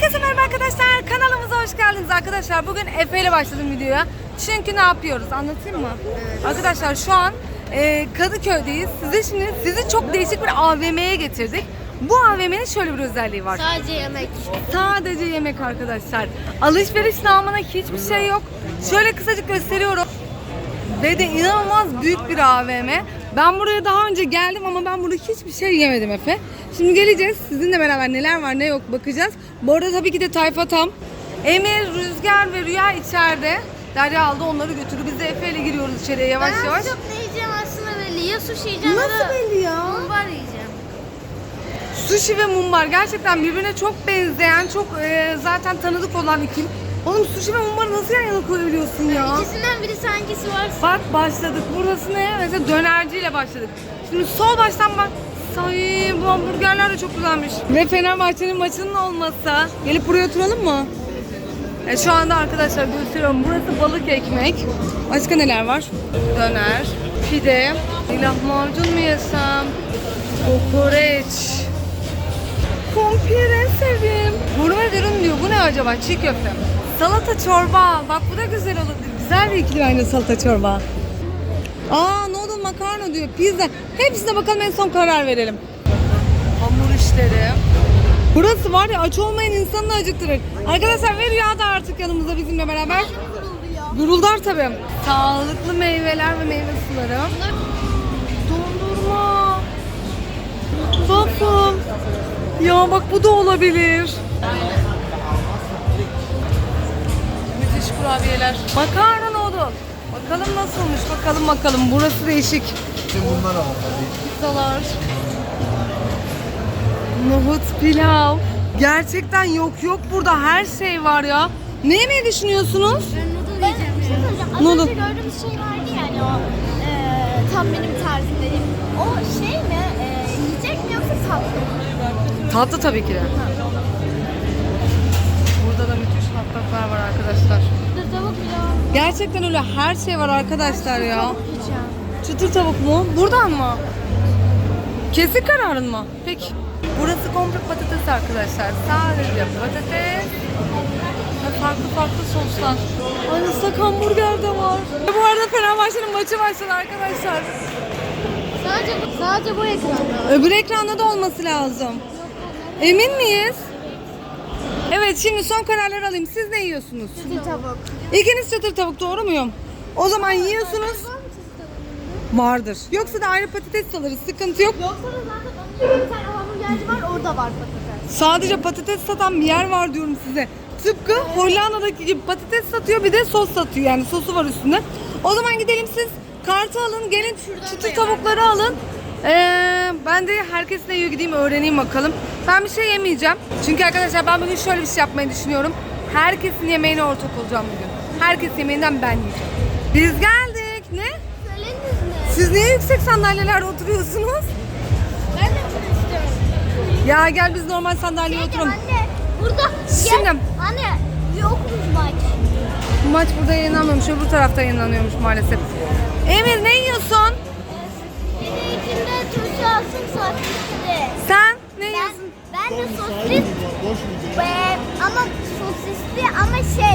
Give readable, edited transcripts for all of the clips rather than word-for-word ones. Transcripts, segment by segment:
Herkese merhaba arkadaşlar, kanalımıza hoş geldiniz arkadaşlar. Bugün Efe ile başladım videoya. Çünkü ne yapıyoruz anlatayım mı? Arkadaşlar şu an Kadıköy'deyiz. Sizi çok değişik bir AVM'ye getirdik. Bu AVM'nin şöyle bir özelliği var. Sadece yemek. Sadece yemek arkadaşlar. Alışveriş namına hiçbir şey yok. Şöyle kısacık gösteriyorum. Ve de inanılmaz büyük bir AVM. Ben buraya daha önce geldim ama ben burada hiçbir şey yemedim Efe. Şimdi geleceğiz. Sizinle beraber neler var ne yok bakacağız. Bu arada tabii ki de tayfa tam. Emir, Rüzgar ve Rüya içeride. Derya aldı onları götürdü. Biz de Efe ile giriyoruz içeriye yavaş yavaş. Ben çok ne yiyeceğim aslında belli. Ya sushi yiyeceğim Nasıl belli ya? mumbar yiyeceğim. Sushi ve mumbar gerçekten birbirine çok benzeyen, çok zaten tanıdık olan ikili. Oğlum sushi ve mumbarı nasıl yan yana koyabiliyorsun ya? İkisinden biri hangisi varsa. Bak başladık. Burası ne? Mesela dönerciyle başladık. Şimdi sol baştan bak. Say, bu hamburgerler de çok güzelmiş. Ve Fenerbahçe'nin maçının olmasa gelip buraya oturalım mı? Şu anda arkadaşlar gösteriyorum. Burası balık ekmek. Başka neler var? Döner, pide, lahmacun mu yesem? Kokoreç. Kumpir en sevdiğim. Gurme dürüm diyor. Bu ne acaba? Çiğ köfte. Salata çorba. Bak bu da güzel olabilir. Güzel bir ikili aynı salata çorba. Noodle makarna diyor. Pizza. Hepsine bakalım en son karar verelim. Hamur işleri. Burası var ya aç olmayan insanı acıktırır. Arkadaşlar ve Rüya da artık yanımızda bizimle beraber. Guruldar tabii. Sağlıklı meyveler ve meyve suları. Dondurma. Waffle. Ya bak bu da olabilir. Müthiş kurabiyeler. Makarna noodle. Bakalım nasılmış bakalım. Burası değişik. Bunlar alalım. Pizzalar. Nohut pilav. Gerçekten yok burada her şey var ya. Ne yemeyi düşünüyorsunuz? Ben noodle yiyeceğim. Bir şey söyleyeceğim. Az Noodle. önce gördüğümüz şey vardı yani o tam benim tarzım dediğim. O şey mi? Yiyecek mi yoksa tatlı mı? Tatlı tabii ki de. Burada da müthiş hot doglar var arkadaşlar. Dur tavuk pilav. Gerçekten öyle her şey var arkadaşlar ya. Tavuk yiyeceğim. Çıtır tavuk mu? Buradan mı? Kesin kararın mı? Peki. Burası komple patates arkadaşlar. Sadece patates ve farklı soslar. Ay ıslak hamburger de var. Bu arada Fenerbahçe'nin maçı başladı arkadaşlar. Sadece bu ekranda. Öbür ekranda da olması lazım. Emin miyiz? Evet şimdi son kararları alayım. Siz ne yiyorsunuz? Çıtır tavuk. İkiniz çıtır tavuk doğru muyum? O zaman yiyorsunuz. Vardır. Yoksa da ayrı patates alırız. Sıkıntı yok. Yoksa da zaten onun bir tane hamburgerci var orada var patates. Sadece patates satan bir yer var diyorum size. Tıpkı Hollanda'daki gibi patates satıyor bir de sos satıyor. Yani sosu var üstünde. O zaman gidelim siz kartı alın. Gelin çıtır tavukları alın. Ben de herkes ne yiyor gideyim öğreneyim bakalım. Ben bir şey yemeyeceğim. Çünkü arkadaşlar ben bugün şöyle bir şey yapmayı düşünüyorum. Herkesin yemeğine ortak olacağım bugün. Herkes yemeğinden ben yiyeceğim. Biz geldik. Ne? Söylediniz mi? Siz niye yüksek sandalyelerde oturuyorsunuz? Ben de bunu istiyorum. Ya gel biz normal sandalyeye oturalım. Anne burada Şimdi. gel. Anne yokmuş maç. Bu maç burada yayınlanmıyormuş, öbür tarafta yayınlanıyormuş maalesef. Emir ne yiyorsun? Biri içinde turşu alsın sosisli. Sen ne yiyorsun? Ben de sosis ama sosisli ama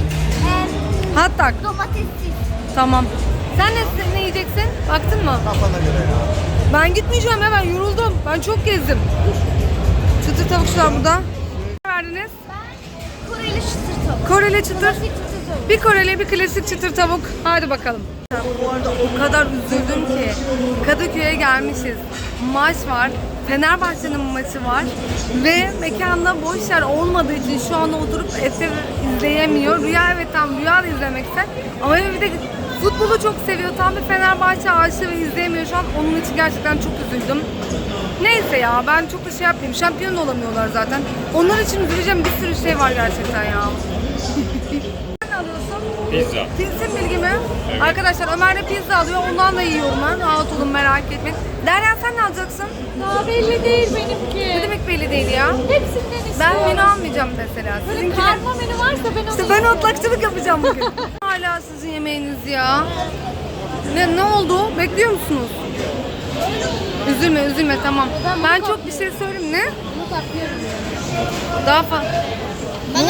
Hot dog. domatessiz. Tamam. Sen ne yiyeceksin? Baktın mı? Kafana göre ya. Ben gitmeyeceğim ya ben yoruldum. Ben çok gezdim. Çıtır tavukçular burada. Ne verdiniz? Ben Koreli çıtır tavuk. Koreli çıtır. Klasik çıtır tavuk. Bir Koreli bir klasik çıtır tavuk. Hadi bakalım. Bu arada o kadar üzüldüm ki Kadıköy'e gelmişiz. Maç var. Fenerbahçe'nin maçı var. Ve mekanda boş yer olmadığı için şu anda oturup Efe izleyemiyor. Rüya evet tam Rüya da izlemek ister. Ama Efe bir de futbolu çok seviyor. Tam bir Fenerbahçe aşığı ve izleyemiyor şu an. Onun için gerçekten çok üzüldüm. Neyse ya ben çok da şey yapmayayım. Şampiyon da olamıyorlar zaten. Onlar için üzüleceğim bir sürü şey var gerçekten ya. Ne alıyorsun? Pizza. Pilsin bilgimi. Evet. Arkadaşlar Ömer de pizza alıyor. Ondan da yiyorum ben. Rahat olun merak etmeyin. Derya sen ne alacaksın? Daha belli değil benimki. Ne demek belli değil ya? Hepsinden Ben istiyorum. menü almayacağım mesela. Böyle Sizinki karma menü varsa ben onu İşte ben otlakçılık yapacağım bugün. Hala sizin yemeğiniz ya. Ne oldu? Bekliyor musunuz? Üzülme tamam. Ben çok bir şey söyleyeyim ne? Bunu takıyorum. Daha fazla. Ben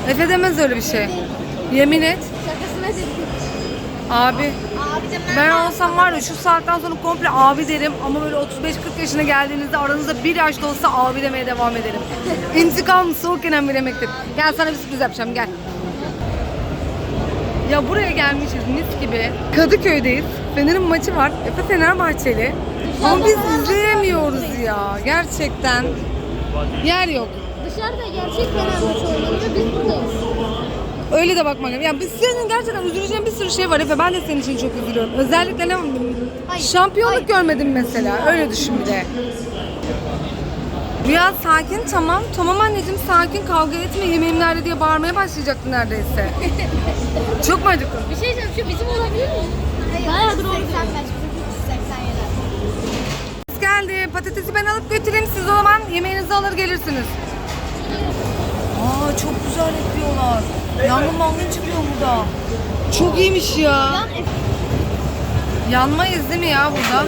Efe demez öyle bir şey. Yemin et. Şakasına dedim. Abi. Abi de Ben olsam var ya şu saatten sonra komple abi derim ama böyle 35-40 yaşına geldiğinizde aranızda bir yaş da olsa abi demeye devam ederim. İntikam soğukken bir demektir. Gel sana bir sürpriz yapacağım gel. Ya buraya gelmişiz mis gibi. Kadıköy'deyiz. Fener'in maçı var. Efe Fenerbahçeli. Ama biz izleyemiyoruz ya. Gerçekten. Yer yok. Dışarıda gerçek Fenerbahçe oynanıyor, biz buradayız. Öyle de bakmak lazım. Yani biz senin gerçekten üzüleceğin bir sürü şey var Efe. Ben de senin için çok üzülüyorum. Özellikle ne şampiyonluk görmedim mesela. Öyle düşün bir de. Rüya sakin tamam. Tamam anneciğim sakin kavga etme yemeğim nerede diye bağırmaya başlayacaktı neredeyse. Çok mu acıktın? Bir şey diyeceğim, şu bizim olabilir mi? Hayır, bayağıdır 85, bizim 387. Geldi. Patatesi ben alıp götüreyim. Siz o zaman yemeğinizi alır gelirsiniz. Aa çok güzel yapıyorlar. Yangın mangın çıkıyor burada. Çok iyiymiş ya. Yanmayız değil mi ya burada?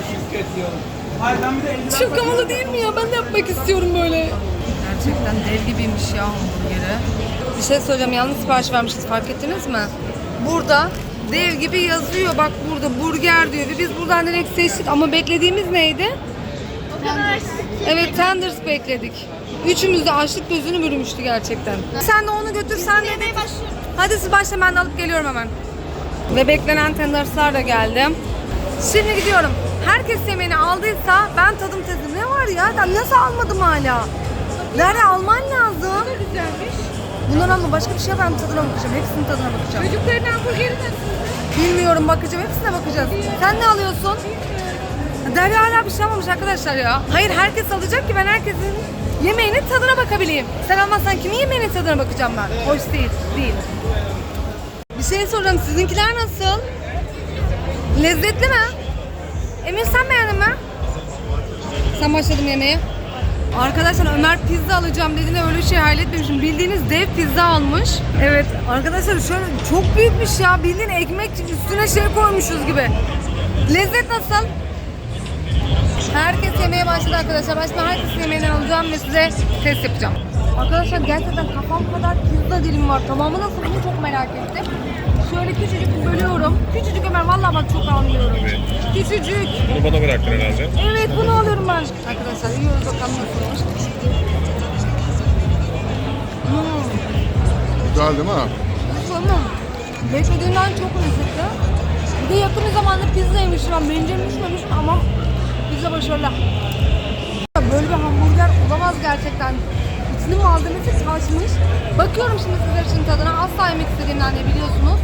Çok havalı değil mi ya? Ben de yapmak istiyorum böyle. Gerçekten dev gibiymiş ya hamburgeri. Bir şey söyleyeceğim. Yanlış sipariş vermişiz. Fark ettiniz mi? Burada dev gibi yazıyor. Bak burada burger diyor. Ve biz buradan direkt seçtik. Ama beklediğimiz neydi? O kadar açtık ki. Evet tenders bekledik. Üçümüz de açlık gözünü bürümüştü gerçekten. Sen de onu götür sen de. Yemeğe başlıyorum. Hadi siz başla ben de alıp geliyorum hemen. Ve beklenen tenderslar da geldi. Şimdi gidiyorum. Herkes yemeğini aldıysa ben tadım tezi. Ne var ya? Ben nasıl almadım hala? Nerede alman lazım? Ne güzelmiş. Bunları alma başka bir şey ben tadına bakacağım. Hepsinin tadına bakacağım. Çocukların hamburgeri nasıl? Bilmiyorum bakacağım. Hepsine bakacağız. Sen ne alıyorsun? Derya hala bir şey almamış arkadaşlar ya. Hayır herkes alacak ki ben herkesin yemeğinin tadına bakabileyim. Sen almazsan kimin yemeğinin tadına bakacağım ben? Hoş değil. Değil. Bir şey soracağım. Sizinkiler nasıl? Lezzetli mi? Emir sen beğendin mi? Sen başladın yemeğe. Arkadaşlar Ömer pizza alacağım dediğinde öyle bir şey hayal etmemişim. Bildiğiniz dev pizza almış. Evet arkadaşlar şöyle çok büyükmüş ya. Bildiğin ekmek üstüne şey koymuşuz gibi. Lezzet nasıl? Herkes yemeğe başladı arkadaşlar. Başta herkesin yemeğinden alacağım ve size test yapacağım. Arkadaşlar gerçekten kafam kadar pizza dilim var. Tamamı nasıl bunu çok merak ettim. Şöyle küçücük bölüyorum. Küçücük Ömer vallahi bak çok anlıyorum. Evet. Küçücük. Bunu bana bıraktın herhalde. Evet bunu alıyorum ben. Arkadaşlar yiyoruz bakalım nasılmış. Güzel değil mi? Tamam. Beklediğimden çok lezzetli. Bir de yakın bir zamanda pizza yemiştim ben. Bencem düşmemiş ama pizza başarılı. Böyle bir hamburger olamaz gerçekten. İçinin malzemesi taşmış. Bakıyorum şimdi sizler için tadına. Asla yemek istediğimden de biliyorsunuz.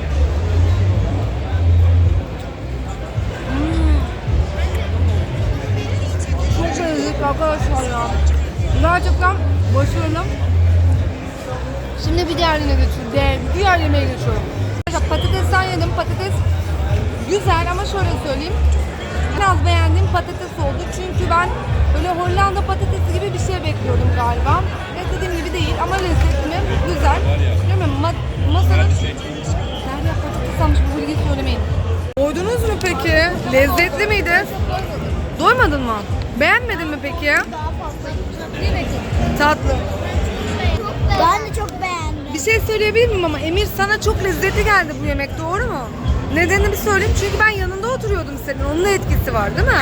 Çok lezzetli arkadaşlar ya. Gerçekten başarılı. Şimdi bir diğerine geçiyorum. Diğer yemeğe geçiyorum. Patatesten yedim. Patates güzel ama şöyle söyleyeyim. Biraz beğendiğim patates oldu. Çünkü ben böyle Hollanda patatesi gibi bir şey bekliyordum galiba. Beklediğim gibi değil ama lezzetli mi? Güzel. Değil mi? Masanın... Derya patates almış bu bilgiyi söylemeyin. Doydunuz mu peki? Lezzetli miydi? Doymadın mı? Beğenmedin mi peki? Daha fazla gideceğim. Tatlı. Ben de çok beğendim. Bir şey söyleyebilir miyim ama Emir sana çok lezzetli geldi bu yemek doğru mu? Nedenini bir söyleyeyim çünkü ben yanında oturuyordum senin. Onun da etkisi var değil mi?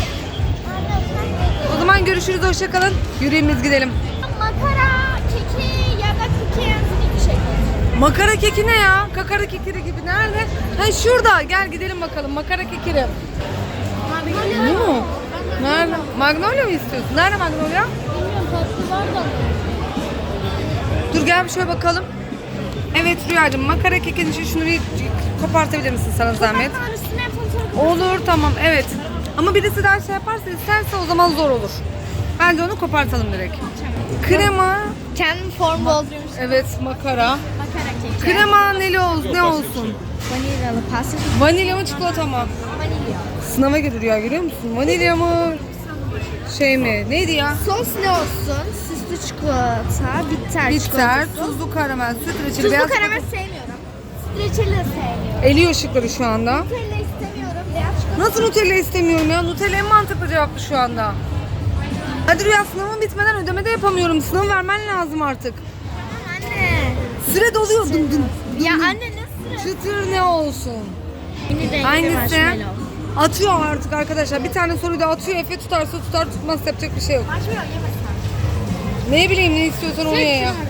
O zaman görüşürüz hoşça kalın. Yürüyümüz gidelim. Makara, keki ya da cookie and bir şey. Makara keki ne ya? Kakara kekiri gibi nerede? Ha şurada. Gel gidelim bakalım. Makara kekiri. Bu mu? Nerede? Magnolia mı istiyorsun? Nerede Magnolia? Bilmiyorum tatlı var da. Dur gel bir şöyle bakalım. Evet Rüyacığım makara kekin için şunu bir kopartabilir misin sana zahmet? Ben üstüne fotoğraf. Olur tamam evet. Ama birisi daha şey yaparsa isterse o zaman zor olur. Bence onu kopartalım direkt. Krema. Kendim form dolduruyormuş. Evet makara. Makara keki. Krema neli olsun ne olsun? Vanilyalı pasta. Vanilya mı çikolata mı? Vanilya. Sınava girdi ya görüyor musun? Vanilya mı? Şey mi? Neydi ya? Sos ne olsun? Süslü çikolata, bitter, Bitter, çikolatası. tuzlu karamel, süt reçeli, Tuzlu beyaz karamel çikolata. sevmiyorum. Reçeli de sevmiyorum. Eliyor ışıkları şu anda. Nutella istemiyorum. Beyaz çikolata. Nasıl Nutella istemiyorum ya? Nutella en mantıklı cevaptı şu anda. Hadi Rüya sınavım bitmeden ödeme de yapamıyorum. Sınavı vermen lazım artık. Anne. Süre doluyor. Dum dum. Ya anne nasıl? Çıtır ne olsun? Yeni Hangisi? Atıyor artık arkadaşlar. Bir tane soruyu da atıyor. Efe tutarsa tutar, tutmazsa yapacak bir şey yok. Marshmallow yemesen. Ne bileyim, ne istiyorsan onu ye ya.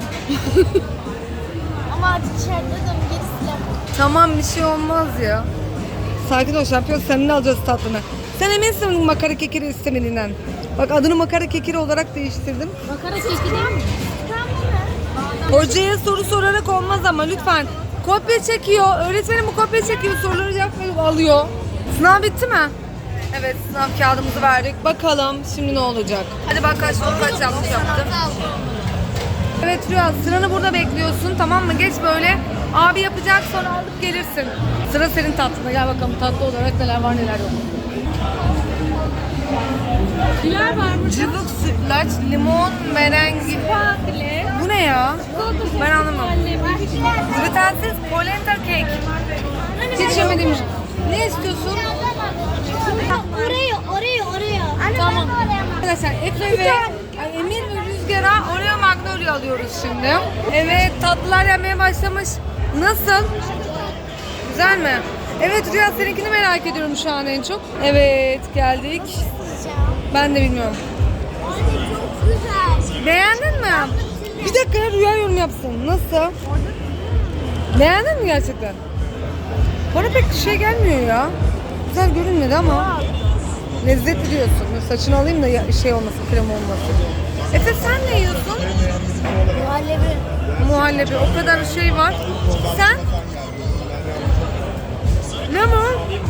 Ama artık içeride de gerisi. Tamam, bir şey olmaz ya. Sakin ol şampiyon, seninle alacağız tatlını. Sen eminsin makara kekiri istemediğinden. Bak adını makara kekiri olarak değiştirdim. Makara keki değil mi? Hocaya soru sorarak olmaz ama lütfen. Kopya çekiyor. Öğretmenim bu kopya çekiyor. Soruları cevap alıyor. Sınav bitti mi? Evet, sınav kağıdımızı verdik. Bakalım şimdi ne olacak? Hadi bak kaç yanlış yaptım. Evet Rüya, sıranı burada bekliyorsun, tamam mı? Geç böyle. Abi yapacak, sonra alıp gelirsin. Sıra senin tatlına. Gel bakalım tatlı olarak neler var neler yok. Neler var burada? Cıvık sütlaç, limon, merengi. Bu ne ya? Ben anlamadım. Glutensiz polenta cake. Hiç yemedim. Ne istiyorsun? Oraya. Tamam. Arkadaşlar Efe ve Emir ve Rüzgar'a Oreo Magnolia alıyoruz şimdi. Evet, tatlılar yenmeye başlamış. Nasıl? Güzel mi? Evet Rüya, seninkini merak ediyorum şu an en çok. Evet, geldik. Ben de bilmiyorum. Çok güzel. Beğendin mi? Bir dakika ya, Rüya yorum yapsın. Nasıl? Beğendin mi gerçekten? Bana pek şey gelmiyor ya. Güzel görünmedi ama. Lezzetli diyorsun. Saçını alayım da şey olmasın, krem olmasın. Efe sen ne yiyorsun? Muhallebi. Muhallebi. O kadar şey var. Sen? Ne mi?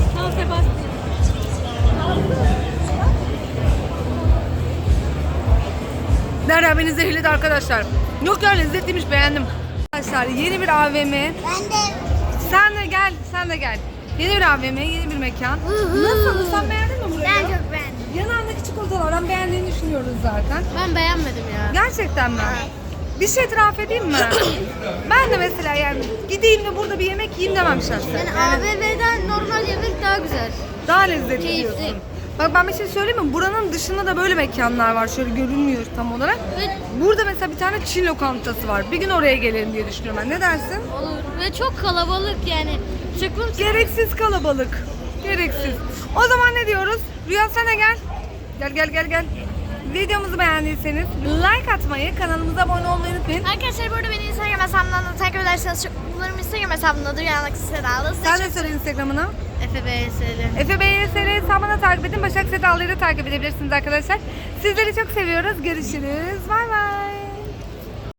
Derya beni zehirledi arkadaşlar. Yok ya, lezzetliymiş, beğendim. Arkadaşlar yeni bir AVM. Ben de. Sen de gel, sen de gel. Yeni bir AVM, yeni bir mekan. Nasıl? Sen beğendin mi burayı? Ben çok beğendim. Yanağındaki çikolatalardan beğendiğini düşünüyoruz zaten. Ben beğenmedim ya. Gerçekten mi? Bir şey itiraf edeyim mi? Ben de mesela yani gideyim de burada bir yemek yiyeyim demem şahsen. Yani AVM'den normal yemek daha güzel. Daha lezzetli Keyifli. diyorsun. Bak ben bir şey söyleyeyim mi? Buranın dışında da böyle mekanlar var. Şöyle görünmüyor tam olarak. Ve, Burada mesela bir tane Çin lokantası var. Bir gün oraya gelelim diye düşünüyorum ben. Ne dersin? olur. Ve çok kalabalık yani. Çıkım Gereksiz kalabalık. Gereksiz. O zaman ne diyoruz? Rüya sen de gel. Gel. Videomuzu beğendiyseniz like atmayı, kanalımıza abone olmayı unutmayın. Arkadaşlar burada beni Instagram hesabımdan da takip ederseniz çok mutlu olurum. Instagram hesabımdadır. Yanındaki Sedalı. Sen de söyle Instagram'ını. FBS'li. Efe BYSL hesabını takip edin. Başak Sedal'ı da takip edebilirsiniz arkadaşlar. Sizleri çok seviyoruz. Görüşürüz. Bay bay.